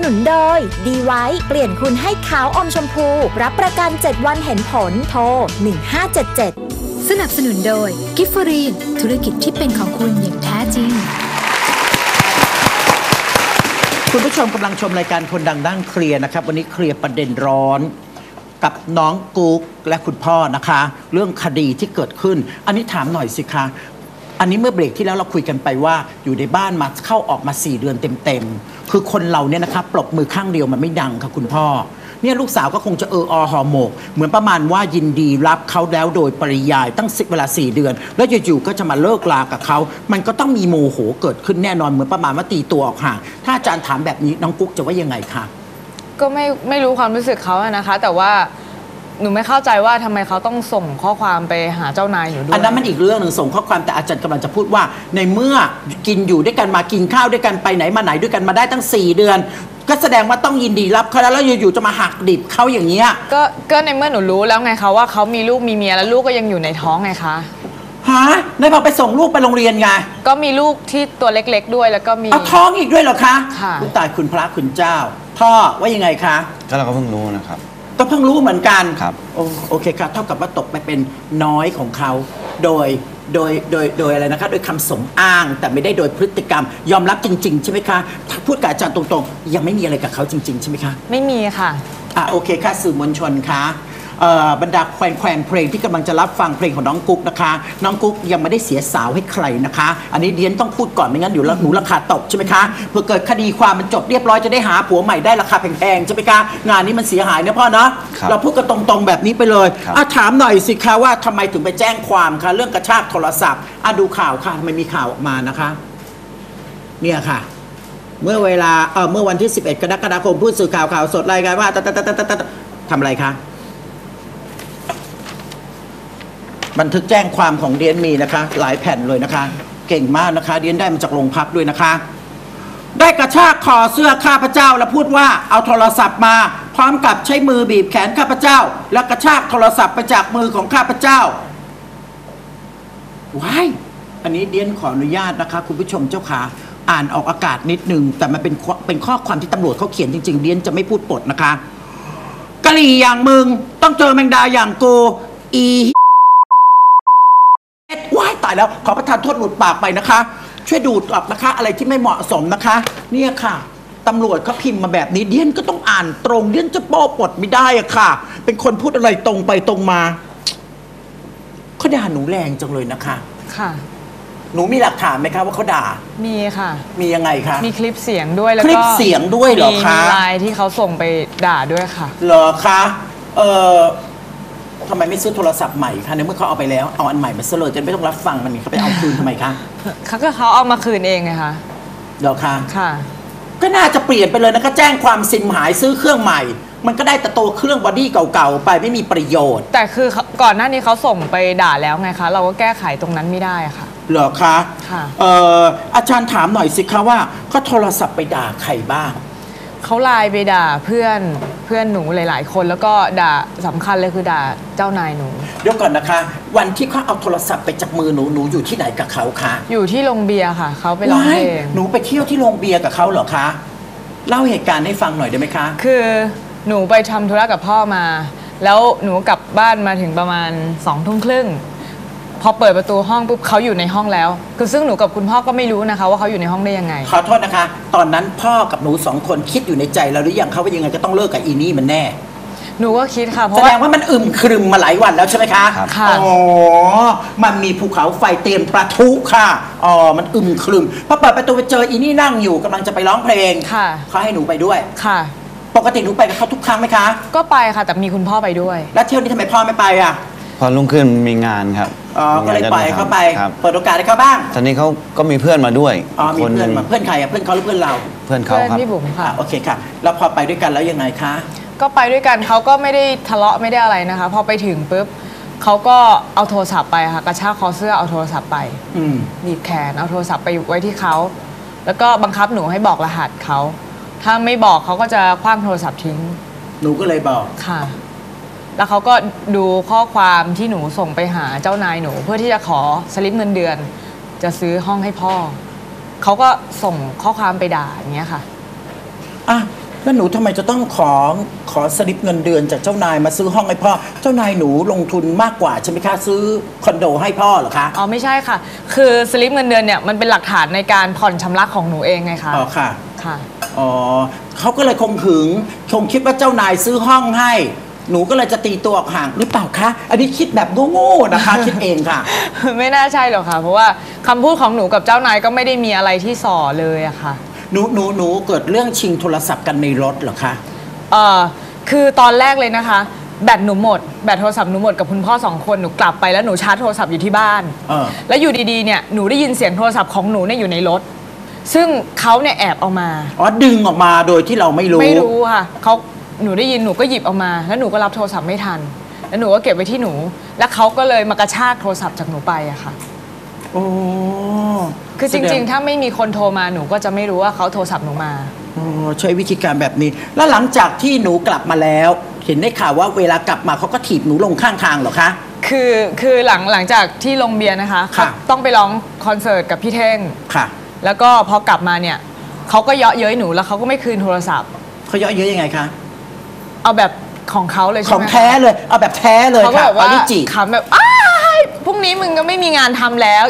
นุนโดยดีไว้เปลี่ยนคุณให้ขาวอมชมพูรับประกัน7วันเห็นผลโทร1577 สนับสนุนโดยกิฟฟรีนธุรกิจที่เป็นของคุณอย่างแท้จริงคุณผู้ชมกำลังชมรายการคนดังด้านเคลียร์นะครับวันนี้เคลียร์ประเด็นร้อนกับน้องกุ๊กและคุณพ่อนะคะเรื่องคดีที่เกิดขึ้นอันนี้ถามหน่อยสิคะอันนี้เมื่อเบรกที่แล้วเราคุยกันไปว่าอยู่ในบ้านมาเข้าออกมา4 เดือนเต็มๆคือคนเราเนี่ยนะคะปรบมือข้างเดียวมันไม่ดังค่ะคุณพ่อเนี่ยลูกสาวก็คงจะหอหมกเหมือนประมาณว่ายินดีรับเขาแล้วโดยปริยายตั้งเวลา4 เดือนแล้วอยู่ๆก็จะมาเลิกลากับเขามันก็ต้องมีโมโหเกิดขึ้นแน่นอนเหมือนประมาณว่าตีตัวออกห่างถ้าอาจารย์ถามแบบนี้น้องกุ๊กจะว่ายังไงคะก็ไม่รู้ความรู้สึกเขาอะนะคะแต่ว่าหนูไม่เข้าใจว่าทำไมเขาต้องส่งข้อความไปหาเจ้านายหนูด้วยอันนั้นมันอีกเรื่องหนึ่งส่งข้อความแต่อาจารย์กำลังจะพูดว่าในเมื่อกินอยู่ด้วยกันมากินข้าวด้วยกันไปไหนมาไหนด้วยกันมาได้ตั้ง4 เดือนก็แสดงว่าต้องยินดีรับเขาแล้วอยู่ๆจะมาหักดิบเขาอย่างเงี้ยก็ในเมื่อหนูรู้แล้วไงคะว่าเขามีลูกมีเมียแล้วลูกก็ยังอยู่ในท้องไงคะฮะในพอไปส่งลูกไปโรงเรียนไงก็มีลูกที่ตัวเล็กๆด้วยแล้วก็มีเอาท้องอีกด้วยเหรอคะค่ะตายคุณพระคุณเจ้าพ่อว่ายังไงคะก็เราก็เพิ่งรู้นะครับก็เพิ่งรู้เหมือนกันครับโอเคครับเท่ากับว่าตกไปเป็นน้อยของเขาโดยอะไรนะคะโดยคำสมอ้างแต่ไม่ได้โดยพฤติกรรมยอมรับจริงๆใช่ไหมคะถ้าพูดกับอาจารย์ตรงๆยังไม่มีอะไรกับเขาจริงๆใช่ไหมคะไม่มีค่ะโอเคค่ะสื่อมวลชนคะบรรดาแฟนเพลงที่กำลังจะรับฟังเพลงของน้องกุ๊กนะคะน้องกุ๊กยังไม่ได้เสียสาวให้ใครนะคะอันนี้เดียนต้องพูดก่อนไม่งั้นอยู่แล้วหนูราคาตกใช่ไหมคะเพื่อเกิดคดีความมันจบเรียบร้อยจะได้หาผัวใหม่ได้ราคาแพงๆใช่ไหมคะงานนี้มันเสียหายนะพ่อเนาะเราพูดกันตรงๆแบบนี้ไปเลยถามหน่อยสิคะว่าทำไมถึงไปแจ้งความคะเรื่องกระชากโทรศัพท์ดูข่าวค่ะทำไมมีข่าวออกมานะคะเนี่ยค่ะเมื่อวันที่11 กรกฎาคมผู้สื่อข่าวสดรายงานว่าทำอะไรคะบันทึกแจ้งความของเดียนมีนะคะหลายแผ่นเลยนะคะเก่งมากนะคะเดียนได้มาจากโรงพักด้วยนะคะได้กระชากคอเสื้อข้าพเจ้าแล้วพูดว่าเอาโทรศัพท์มาพร้อมกับใช้มือบีบแขนข้าพเจ้าแล้วกระชากโทรศัพท์ไปจากมือของข้าพเจ้าว้ายอันนี้เดียนขออนุญาตนะคะคุณผู้ชมเจ้าขาอ่านออกอากาศนิดนึงแต่มันเป็นข้อความที่ตำรวจเขาเขียนจริงๆเดียนจะไม่พูดปดนะคะกะหรี่อย่างมึงต้องเจอแมงดาอย่างกูอีว้ายตายแล้วขอประทานโทษหลุดปากไปนะคะช่วยดูดออกนะคะอะไรที่ไม่เหมาะสมนะคะเนี่ยค่ะตำรวจเขาพิมพ์มาแบบนี้เดียนก็ต้องอ่านตรงเดียนจะโป้ปดไม่ได้อะค่ะเป็นคนพูดอะไรตรงไปตรงมาเขาด่าหนูแรงจังเลยนะคะค่ะหนูมีหลักฐานไหมคะว่าเขาด่ามีค่ะมียังไงคะมีคลิปเสียงด้วยแล้วก็คลิปเสียงด้วยเหรอคะมีไลน์ที่เขาส่งไปด่าด้วยค่ะเหรอคะทำไมไม่ซื้อโทรศัพท์ใหม่คะในเมื่อเขาเอาไปแล้วเอาอันใหม่มาซะเลยจะไม่ต้องรับฟังมันเขาไปเอาคืนทำไมคะเขาเอามาคืนเองไงคะเหรอคะค่ะก็น่าจะเปลี่ยนไปเลยนะก็แจ้งความซิมหายซื้อเครื่องใหม่มันก็ได้แต่ตัวเครื่องบอดี้เก่าๆไปไม่มีประโยชน์แต่คือก่อนหน้านี้เขาส่งไปด่าแล้วไงคะเราก็แก้ไขตรงนั้นไม่ได้ค่ะเหรอคะค่ะอาจารย์ถามหน่อยสิคะว่าเขาโทรศัพท์ไปด่าใครบ้างเขาไลน์ไปด่าเพื่อนหนูหลายๆคนแล้วก็ด่าสำคัญเลยคือด่าเจ้านายหนูเดี๋ยวก่อนนะคะวันที่เขาเอาโทรศัพท์ไปจากมือหนูอยู่ที่ไหนกับเขาคะอยู่ที่โรงเบียร์ค่ะเขาไปร้องเพลงหนูไปเที่ยวที่โรงเบียร์กับเขาเหรอคะเล่าเหตุการณ์ให้ฟังหน่อยได้ไหมคะคือหนูไปทำธุระกับพ่อมาแล้วหนูกลับบ้านมาถึงประมาณ20:30พอเปิดประตูห้องปุ๊บเขาอยู่ในห้องแล้วคือซึ่งหนูกับคุณพ่อก็ไม่รู้นะคะว่าเขาอยู่ในห้องได้ยังไงขอโทษนะคะตอนนั้นพ่อกับหนู2 คนคิดอยู่ในใจแล้วหรือยังเขาว่ายังไงก็ต้องเลิกกับอีนี่มันแน่หนูก็คิดค่ะเพราะแสดงว่ามันครึมมาหลายวันแล้วใช่ไหมคะค่ะอ๋อมันมีภูเขาไฟเตรียมประทุค่ะมันครึมพอเปิดประตูไปเจออีนี่นั่งอยู่กำลังจะไปร้องเพลงค่ะเขาให้หนูไปด้วยค่ะปกติหนูไปกับเขาทุกครั้งไหมคะก็ไปค่ะแต่มีคุณพ่อไปด้วยแล้วเที่ยวนี้ทำไมพ่อไม่ไปอ่ะพอรุ่งขึ้นมีงานครับก็เลยปล่อยเขาไปเปิดโอกาสให้เขาบ้างตอนนี้เขาก็มีเพื่อนมาด้วยมีเพื่อนใครอ่ะเพื่อนเขาหรือเพื่อนเราเพื่อนเขาครับพี่บุ๋มค่ะโอเคค่ะแล้วพอไปด้วยกันแล้วยังไงคะก็ไปด้วยกันเขาก็ไม่ได้ทะเลาะไม่ได้อะไรนะคะพอไปถึงปุ๊บเขาก็เอาโทรศัพท์ไปค่ะกระชากคอเสื้อเอาโทรศัพท์ไปบีบแขนเอาโทรศัพท์ไปไว้ที่เขาแล้วก็บังคับหนูให้บอกรหัสเขาถ้าไม่บอกเขาก็จะคว้างโทรศัพท์ทิ้งหนูก็เลยบอกค่ะแล้วเขาก็ดูข้อความที่หนูส่งไปหาเจ้านายหนูเพื่อที่จะขอสลิปเงินเดือนจะซื้อห้องให้พ่อเขาก็ส่งข้อความไปด่าอย่างเงี้ยค่ะแล้วหนูทำไมจะต้องขอสลิปเงินเดือนจากเจ้านายมาซื้อห้องให้พ่อเจ้านายหนูลงทุนมากกว่าใช่ไหมคะซื้อคอนโดให้พ่อเหรอคะอ๋อไม่ใช่ค่ะ คือสลิปเงินเดือนเนี่ยมันเป็นหลักฐานในการผ่อนชำระของหนูเองไงคะอ๋อค่ะค่ะอ๋อเขาก็เลยคงคิดว่าเจ้านายซื้อห้องให้หนูก็เลยจะตีตัวออกห่างหรือเปล่าคะอันนี้คิดแบบโง่ๆนะคะ คิดเองค่ะไม่น่าใช่หรอกค่ะเพราะว่าคำพูดของหนูกับเจ้านายก็ไม่ได้มีอะไรที่ส่อเลยอะค่ะหนูเกิดเรื่องชิงโทรศัพท์กันในรถเหรอคะคือตอนแรกเลยนะคะแบตหนูหมดแบตโทรศัพท์หนูหมดกับคุณพ่อ2 คนหนูกลับไปแล้วหนูชาร์จโทรศัพท์อยู่ที่บ้านแล้วอยู่ดีๆเนี่ยหนูได้ยินเสียงโทรศัพท์ของหนูเนี่ยอยู่ในรถซึ่งเขาเนี่ยแอบเอามาดึงออกมาโดยที่เราไม่รู้ค่ะหนูได้ยินหนูก็หยิบเอามาแล้วหนูก็รับโทรศัพท์ไม่ทันแล้วหนูก็เก็บไว้ที่หนูแล้วเขาก็เลยมากระชากโทรศัพท์จากหนูไปอะค่ะโอ้คือจริงๆถ้าไม่มีคนโทรมาหนูก็จะไม่รู้ว่าเขาโทรศัพท์หนูมาใช้วิธีการแบบนี้แล้วหลังจากที่หนูกลับมาแล้วเห็นได้ข่าวว่าเวลากลับมาเขาก็ถีบหนูลงข้างทางเหรอคะคือหลังจากที่ลงเบียร์นะคะต้องไปร้องคอนเสิร์ตกับพี่เท่งค่ะแล้วก็พอกลับมาเนี่ยเขาก็เยาะเย้ยหนูแล้วเขาก็ไม่คืนโทรศัพท์เขาเยาะเย้ยยังไงคะเอาแบบของเขาเลยใช่ไหมของแท้เลยเอาแบบแท้เลยค่ะเขาแบบว่าขำแบบพรุ่งนี้มึงก็ไม่มีงานทำแล้ว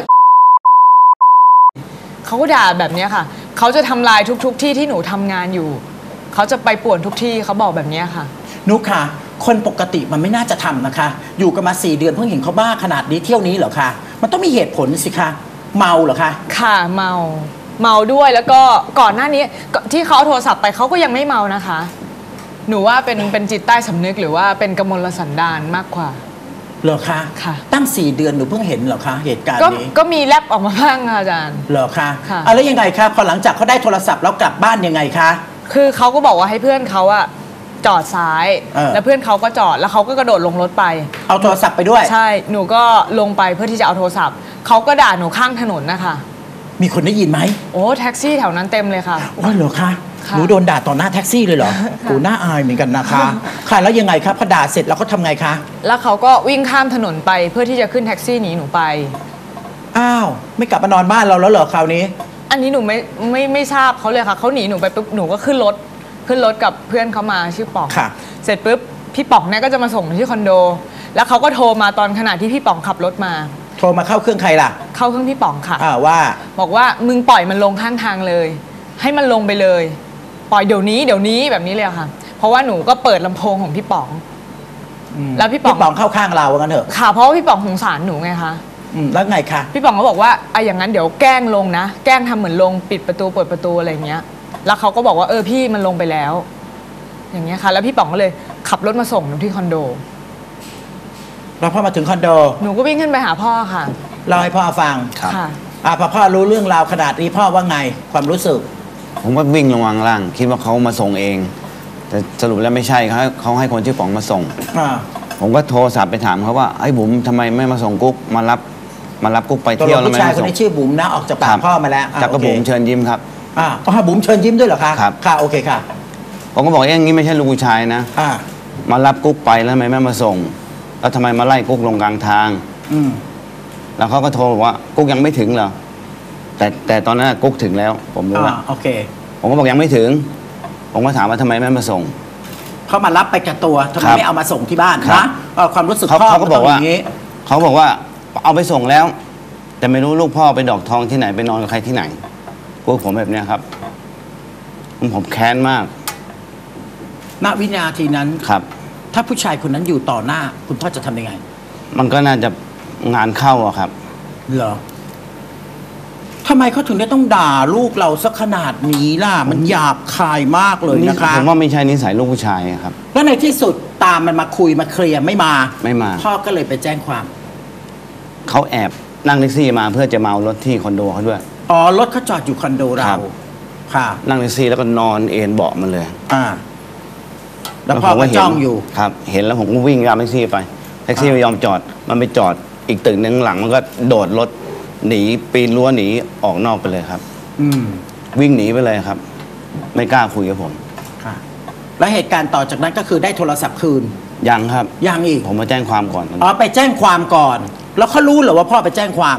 เขาก็ด่าแบบนี้ค่ะเขาจะทำลายทุกที่ที่หนูทำงานอยู่เขาจะไปป่วนทุกที่เขาบอกแบบนี้ค่ะนุ๊กค่ะคนปกติมันไม่น่าจะทำนะคะอยู่กันมา4 เดือนเพิ่งเห็นเขาบ้าขนาดนี้เที่ยวนี้เหรอคะมันต้องมีเหตุผลสิคะเมาเหรอคะค่ะเมาด้วยแล้วก็ก่อนหน้านี้ที่เขาเอาโทรศัพท์ไปเขาก็ยังไม่เมานะคะหนูว่าเป็นจิตใต้สำนึกหรือว่าเป็นกมลสันดานมากกว่าเหรอคะค่ะตั้ง4 เดือนหนูเพิ่งเห็นเหรอคะเหตุการณ์นี้ก็มีแลบออกมาบ้างค่ะอาจารย์เหรอคะแล้วยังไงคะพอหลังจากเขาได้โทรศัพท์แล้วกลับบ้านยังไงคะคือเขาก็บอกว่าให้เพื่อนเขาอะจอดซ้ายแล้วเพื่อนเขาก็จอดแล้วเขาก็กระโดดลงรถไปเอาโทรศัพท์ไปด้วยใช่หนูก็ลงไปเพื่อที่จะเอาโทรศัพท์เขาก็ด่าหนูข้างถนนนะคะมีคนได้ยินไหมโอ้แท็กซี่แถวนั้นเต็มเลยค่ะโอ้เหรอคะหนูโดนด่าต่อหน้าแท็กซี่เลยเหรอโอ้น่าอายเหมือนกันนะคะค่ะแล้วยังไงครับพอด่าเสร็จแล้วเขาทำไงคะแล้วเขาก็วิ่งข้ามถนนไปเพื่อที่จะขึ้นแท็กซี่หนีหนูไปอ้าวไม่กลับมานอนบ้านเราแล้วเหรอคราวนี้อันนี้หนูไม่ทราบเขาเลยค่ะเขาหนีหนูไปปุ๊บหนูก็ขึ้นรถกับเพื่อนเขามาชื่อป๋องเสร็จปุ๊บพี่ป๋องเนี่ยก็จะมาส่งที่คอนโดแล้วเขาก็โทรมาตอนขณะที่พี่ป๋องขับรถมาโทรมาเข้าเครื่องใครล่ะเข้าเครื่องพี่ป๋องค่ะว่าบอกว่ามึงปล่อยมันลงข้างทางเลยให้มันลงไปเลยปล่อยเดี๋ยวนี้แบบนี้เลยค่ะเพราะว่าหนูก็เปิดลำโพงของพี่ป๋องแล้วพี่ป๋องเข้าข้างเรากันเถอะค่ะเพราะว่าพี่ป๋องสงสารหนูไงคะแล้วไงคะพี่ป๋องก็บอกว่าอย่างนั้นเดี๋ยวแกล้งลงนะแกล้งทำเหมือนลงปิดประตูเปิดประตูอะไรเงี้ยแล้วเขาก็บอกว่าพี่มันลงไปแล้วอย่างเงี้ยค่ะแล้วพี่ป๋องก็เลยขับรถมาส่งหนูที่คอนโดแล้วพอมาถึงคอนโดหนูก็วิ่งขึ้นไปหาพ่อค่ะเล่าให้พ่อฟังค่ะพอพ่อรู้เรื่องราวขนาดนี้พ่อว่าไงความรู้สึกผมก็วิ่งลงวางล่างคิดว่าเขามาส่งเองแต่สรุปแล้วไม่ใช่เขาให้คนชื่อป๋องมาส่งผมก็โทรศัพท์ไปถามเขาว่าไอ้บุ๋มทำไมไม่มาส่งกุ๊กมารับกุ๊กไปเที่ยวแล้วไม่มาส่งผู้ชายคนนี้ชื่อบุ๋มนะออกจากปากพ่อมาแล้วจากกระบุ๋มเชิญยิ้มครับบุ๋มเชิญยิ้มด้วยเหรอคะครับค่ะโอเคค่ะผมก็บอกอย่างนี้ไม่ใช่ลูกผู้ชายนะมารับกุ๊กไปแล้วทำไมไม่มาส่งแล้วทำไมมาไล่กุ๊กลงกลางทางแล้วเขาก็โทรบอกว่ากุ๊กยังไม่ถึงเหรอแต่ตอนนั้นกุ๊กถึงแล้วผมรู้ว่าโอเคผมก็บอกยังไม่ถึงผมก็ถามว่าทำไมไม่มาส่งเขามารับไปกับตัวทำไมไม่เอามาส่งที่บ้านนะความรู้สึกพ่อเขาก็บอกว่าเขาบอกว่าเอาไปส่งแล้วแต่ไม่รู้ลูกพ่อไปดอกทองที่ไหนไปนอนกับใครที่ไหนพวกผมแบบนี้ครับผมแค้นมากณวินาทีนั้นครับถ้าผู้ชายคนนั้นอยู่ต่อหน้าคุณพ่อจะทำยังไงมันก็น่าจะงานเข้าอะครับเหรอทำไมเขาถึงได้ต้องด่าลูกเราสักขนาดนี้ล่ะมันหยาบคายมากเลยนะคะผมว่าไม่ใช่นิสัยลูกผู้ชายครับแล้วในที่สุดตามมันมาคุยมาเคลียร์ไม่มาพ่อก็เลยไปแจ้งความเขาแอบนั่งแท็กซี่มาเพื่อจะเมารถที่คอนโดเขาด้วยรถเขาจอดอยู่คอนโดเราค่ะนั่งแท็กซี่แล้วก็นอนเอนเบาะมันเลยแล้วพ่อก็จ้องอยู่ครับเห็นแล้วผมก็วิ่งตามแท็กซี่ไปแท็กซี่ไม่ยอมจอดมันไปจอดอีกตึกนึงหลังมันก็โดดรถหนีปีนรั้วหนีออกนอกไปเลยครับวิ่งหนีไปเลยครับไม่กล้าคุยกับผมค่ะแล้วเหตุการณ์ต่อจากนั้นก็คือได้โทรศัพท์คืนยังครับยังอีกผมมาแจ้งความก่อนไปแจ้งความก่อนแล้วเขารู้เหรอว่าพ่อไปแจ้งความ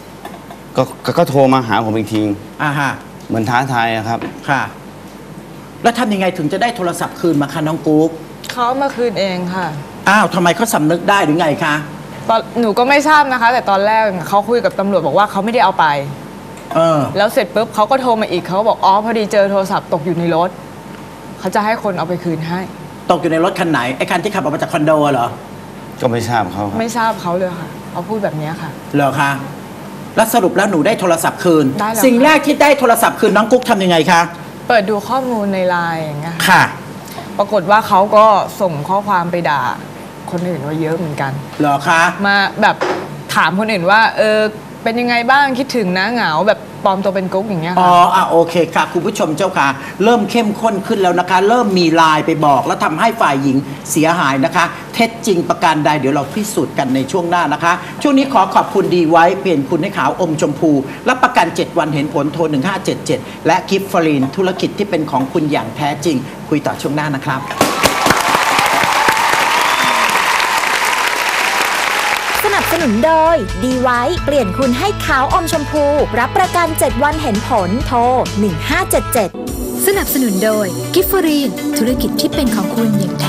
ก็โทรมาหาผมอีกทีฮะเหมือนท้าทายครับค่ะแล้วทำยังไงถึงจะได้โทรศัพท์คืนมาคะน้องกุ๊กเขาเอามาคืนเองค่ะอ้าวทำไมเขาสำนึกได้หรือไงคะหนูก็ไม่ทราบนะคะ แต่ตอนแรกเขาคุยกับตำรวจบอกว่าเขาไม่ได้เอาไป แล้วเสร็จปุ๊บเขาก็โทรมาอีกเขาบอกอ๋อพอดีเจอโทรศัพท์ตกอยู่ในรถเขาจะให้คนเอาไปคืนให้ตกอยู่ในรถคันไหนไอ้คันที่ขับออกมาจากคอนโดเหรอก็ไม่ทราบเขาครับไม่ทราบเขาเลยค่ะเขาพูดแบบนี้ค่ะเหรอคะแล้วสรุปแล้วหนูได้โทรศัพท์คืนได้แล้วสิ่งแรกที่ได้โทรศัพท์คืนน้องกุ๊กทำยังไงคะเปิดดูข้อมูลในไลน์อย่างเงี้ยค่ะปรากฏว่าเขาก็ส่งข้อความไปด่าคนอื่นไว้เยอะเหมือนกันเหรอคะมาแบบถามคนอื่นว่าเป็นยังไงบ้างคิดถึงนะเหงาแบบปลอมตัวเป็นกุ๊กอย่างเงี้ยอ๋ค่ะอโอเคค่ะคุณผู้ชมเจ้าค่ะ เริ่มเข้มข้นขึ้นแล้วนะคะ เริ่มมีไลน์ไปบอกแล้วทำให้ฝ่ายหญิงเสียหายนะคะ เท็จจริงประการใดเดี๋ยวเราพิสูจน์กันในช่วงหน้านะคะ ช่วงนี้ขอขอบคุณดีไว้เปลี่ยนคุณให้ขาวอมชมพูรับประกัน 7 วันเห็นผลโทร 1577 และกิฟฟรีนธุรกิจที่เป็นของคุณอย่างแท้จริง คุยต่อช่วงหน้านะครับสนับสนุนโดยดีไว้เปลี่ยนคุณให้ขาวอมชมพูรับประกัน 7 วันเห็นผลโทร 1577 สนับสนุนโดยกิฟฟรีนธุรกิจที่เป็นของคุณอย่างแท้